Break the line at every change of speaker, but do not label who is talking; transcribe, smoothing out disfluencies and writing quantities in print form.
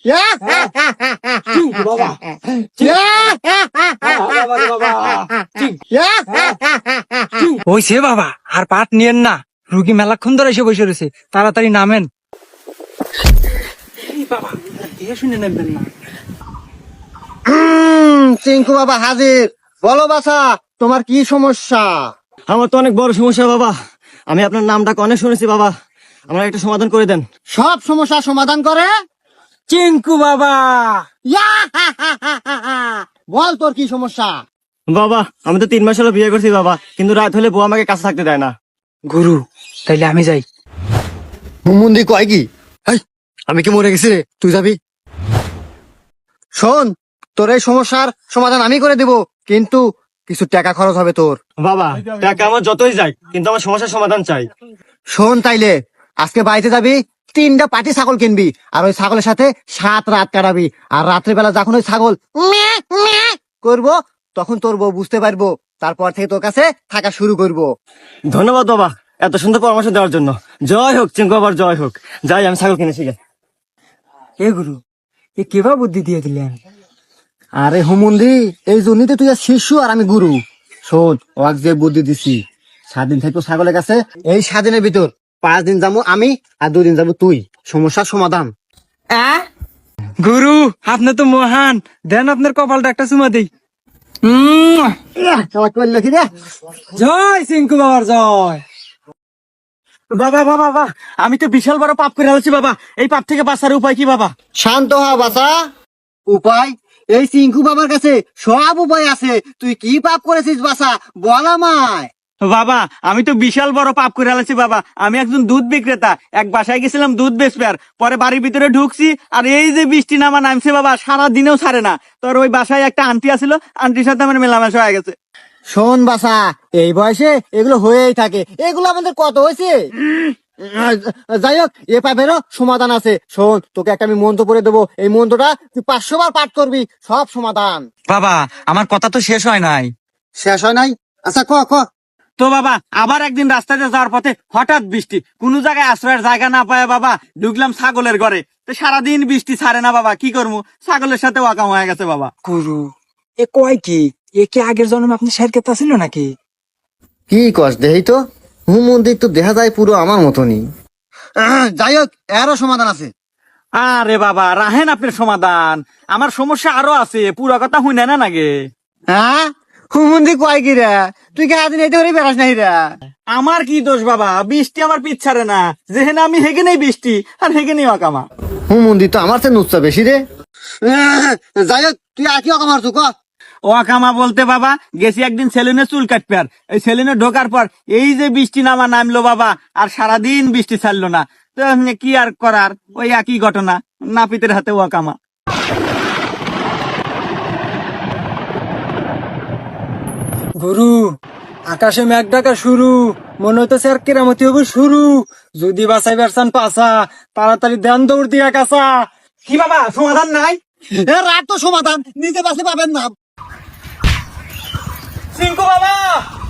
চিঙ্কু বাবা
হইছে বাবা, আর পাট নিয়েন না, রুগী মেলাক্ষণ ধরে এসে বসে রয়েছে, তাড়াতাড়ি নামেন। বাবা শুনে নেবেন না।
চিঙ্কু বাবা হাজির। বলো বাছা, তোমার কি সমস্যা?
আমার তো অনেক বড় সমস্যা বাবা, আমি আপনার নামটা অনেক শুনেছি বাবা, আমার একটা সমাধান করে দেন।
সব সমস্যা সমাধান করে
চিঙ্কু বাবা।
বল তোর কি সমস্যা?
বাবা আমি তো 3 মাস হলো বিয়ে করছি বাবা, কিন্তু রাত হলে বউ আমাকে কাছে থাকতে দেয় না।
গুরু, তাইলে আমি যাই।
হুমুন্দি কয় কি? আমি কি মরে গেছি রে? তুই যাবি? শোন, তোর এই সমস্যার সমাধান আমি করে দেব, কিন্তু কিছু টাকা খরচ হবে তোর।
বাবা টাকা আমার যতই যাই, কিন্তু আমার সমস্যার সমাধান চাই।
শোন তাইলে, আজকে বাড়িতে যাবি, 3টা পাটি ছাগল কিনবি, আর ওই ছাগলের সাথে 7 রাত কাটাবি, আর রাত্রিবেলা যখন ওই ছাগল ম্যাঁ ম্যাঁ করবো, তখন তোর বউ বুঝতে পারবো, তারপর থেকে তোর কাছে থাকা শুরু করবো।
ধন্যবাদ বাবা এত সুন্দর পরামর্শ দেওয়ার জন্য। জয় হোক চিঙ্কু বাবার, জয় হোক। যাই আমি ছাগল কিনেছি গে।
এ গুরু, এ কেবা বুদ্ধি দিয়ে দিলেন?
আরে হুমুন্দি, এই জন্যই তো তুই আর শিশু আর আমি গুরু। শোন, ওয়াক যে বুদ্ধি দিছি, 7 দিন থাকবো ছাগলের কাছে, এই 7 দিনের ভিতর 5 দিন যাবো আমি, আর 2 দিন যাবো তুই। সমস্যার সমাধান।
গুরু, আপনি তো মহান, দেন আপনার কপালটা একটা চুমা দেই। জয় চিঙ্কু বাবার জয়।
বাবা বাবা বাবা, আমি তো বিশাল বড় পাপ করে আছি বাবা, এই পাপ থেকে বাঁচার উপায় কি বাবা?
শান্ত হ বাছা। উপায়? এই চিঙ্কু বাবার কাছে সব উপায় আছে। তুই কি পাপ করেছিস বাছা, বল আমায়।
বাবা আমি তো বিশাল বড় পাপ করে আছি বাবা, আমি একজন দুধ বিক্রেতা, এক বাসায় গেছিলাম দুধ বেচবে, আর পরে বাড়ির ভিতরে ঢুকছি, আর এই যে বৃষ্টি নামা নামছে বাবা, সারা দিনেও ছাড়ে না। তোর ওই বাসায় একটা আন্টি আছিল, আন্টির সাথে আমার মেলামেশা হয়ে গেছে।
শোন বাছা, এই বয়সে এগুলো হয়েই থাকে, এগুলো আমাদের কত হয়েছে। যাই হোক, এ পাপেরও সমাধান আছে। শোন, তোকে একটা আমি মন্ত্র পড়ে দেবো, এই মন্ত্রটা তুই 500 বার পাঠ করবি, সব সমাধান।
বাবা আমার কথা তো শেষ হয় নাই।
শেষ হয় নাই? আচ্ছা ক ক।
তো বাবা আবার একদিন রাস্তাতে যাওয়ার পথে হঠাৎ বৃষ্টি, কোন জায়গায় আশ্রয়ের জায়গা না পায় বাবা ঢুকলাম ছাগলের ঘরে, তো সারাদিন বৃষ্টি ছাড়ে না বাবা, কি করবো, ছাগলের সাথে ওয়াকাম হয়ে গেছে বাবা।
গুরু, এ কয় কি? এ কি আগের জন্মে আপনি শের কেতা ছিল নাকি?
কি কস দেহি তো, হুমন্দির তো দেখা যায় পুরো আমার মতনই। যাই হোক, এরও সমাধান আছে।
আরে বাবা রাহেন আপনার সমাধান, আমার সমস্যা আরো আছে, পুরো কথা হুই না নাগে।
হ্যাঁ, হুমন্দি কয় কি রে? তুই কে আদিন এতে করে বেড়াস নাই রে?
আমার কি দোষ বাবা, বৃষ্টি আমার পিছারে না, যেহেনে আমি হেগে নেই বৃষ্টি, আর হেগে নেই ওয়াকামা।
হুমন্দি তো আমার চেয়ে নুচ্ছা বেশি রে। যাই হোক, তুই আর কি অকাম মারছু ক।
ওয়াকামা বলতে বাবা গেছি একদিন সেলুনে চুল কাটবে, আর এই সেলুনে ঢোকার পর এই যে বৃষ্টি নামা নামলো বাবা, আর সারাদিন বৃষ্টি ছাড়লো না, তো এমনি কি আর করার, ওই একই ঘটনা, নাপিতের হাতে ওয়াকামা।
গুরু, আকাশে মেঘ ডাকা শুরু, মনে হইতেছে আর কেরামতি হবে শুরু। যদি বাঁচাই বেরসান পাসা, তাড়াতাড়ি ধ্যান দৌড় দিয়া কাছা।
কি বাবা সমাধান নাই?
রাত তো সমাধান, নিজে বাসে পাবেন না।
চিঙ্কু বাবা